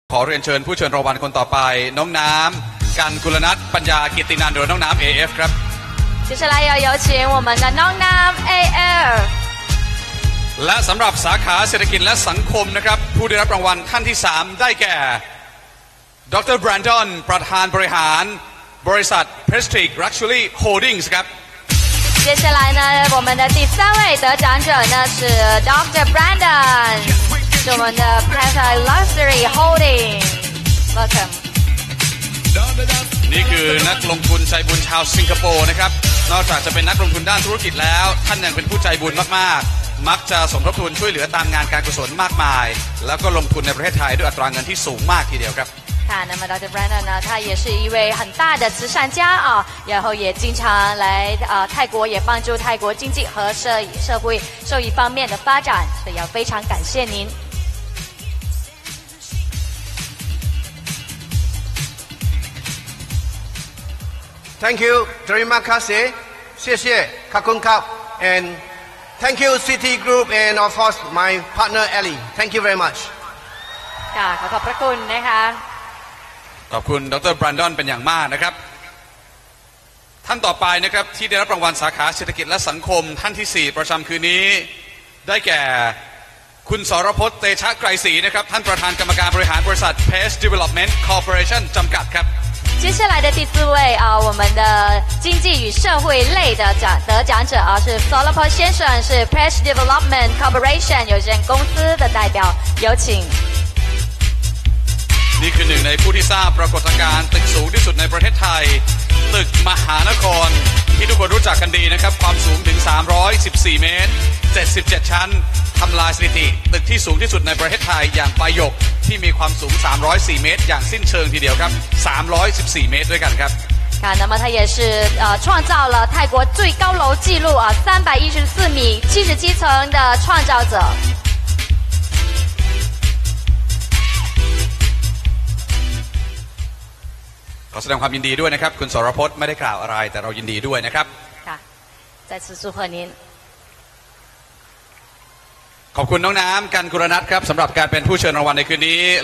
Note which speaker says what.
Speaker 1: ขอเรียนเชิญผู้เชิญรางวัลคนต่อไปน้องน้ำกันกุลนัทปัญญากิตตินันท์หรือน้องน้ำ AF ครับ
Speaker 2: 接下来要有请我们的น้องน้ำ AF
Speaker 1: และสำหรับสาขาเศรษฐกิจและสังคมนะครับผู้ได้รับรางวัลท่านที่3ได้แก่ดร.แบรนดอนประธานบริหารบริษัท Prestige Luxury Holdings ครับ
Speaker 2: 接下来呢我们的第3位得奖者呢是 Dr. Brandon 是我们的 Prestige Luxury Holdings Welcome
Speaker 1: นี่คือนักลงทุนใจบุญชาวสิงคโปร์นะครับนอกจากจะเป็นนักลงทุนด้านธุรกิจแล้วท่านยังเป็นผู้ใจบุญมากๆมักจะสมทบทุนช่วยเหลือตามงานการกุศลมากมายแล้วก็ลงทุนในประเทศไทยด้วยอัตราเงินที่สูงมากทีเดียวครับ
Speaker 2: 那么 Dr. Brandon 呢，他也是一位很大的慈善家啊，然后也经常来泰国，也帮助泰国经济和社会受益方面的发展，所以要非常感谢您。
Speaker 3: Thank you, terima kasih, 谢谢, kakunkap, and thank you City Group and of course my partner Ellie. Thank you very much.
Speaker 2: ขอขอบพระคุณนะคะ
Speaker 1: ขอบคุณดร.แบรนดอนเป็นอย่างมากนะครับท่านต่อไปนะครับที่ได้รับรางวัลสาขาเศรษฐกิจและสังคมท่านที่4ประจำคืนนี้ได้แก่คุณสรพจน์เตชะไกรศรีนะครับท่านประธานกรรมการบริหารบริษัท Pace Development Corporation จำกัดครับ
Speaker 2: 接下来的第4位我们的经济与社会类的得奖者是 Solopot 先生，是 Pace Development Corporation 有限公司的代表，有请。
Speaker 1: นี่คือหนึ่งในผู้ที่ทราบปรากฏการณ์ตึกสูงที่สุดในประเทศไทยตึกมหานครที่ทุกคนรู้จักกันดีนะครับความสูงถึง314เมตร77ชั้นทำลายสถิติตึกที่สูงที่สุดในประเทศไทยอย่างปายกที่มีความสูง304เมตรอย่างสิ้นเชิงทีเดียวครับ314เมตรด้วยกันครับ
Speaker 2: 那么他也是创造了泰国最高楼纪录314米77层的创造者
Speaker 1: ขอแสดงความยินดีด้วยนะครับคุณสรพจน์ไม่ได้กล่าวอะไรแต่เรายินดีด้วยนะครับ
Speaker 2: ค่ะ再次祝贺您
Speaker 1: ขอบคุณน้องน้ำกันกุลนัทครับสำหรับการเป็นผู้เชิญรางวัลในคืนนี้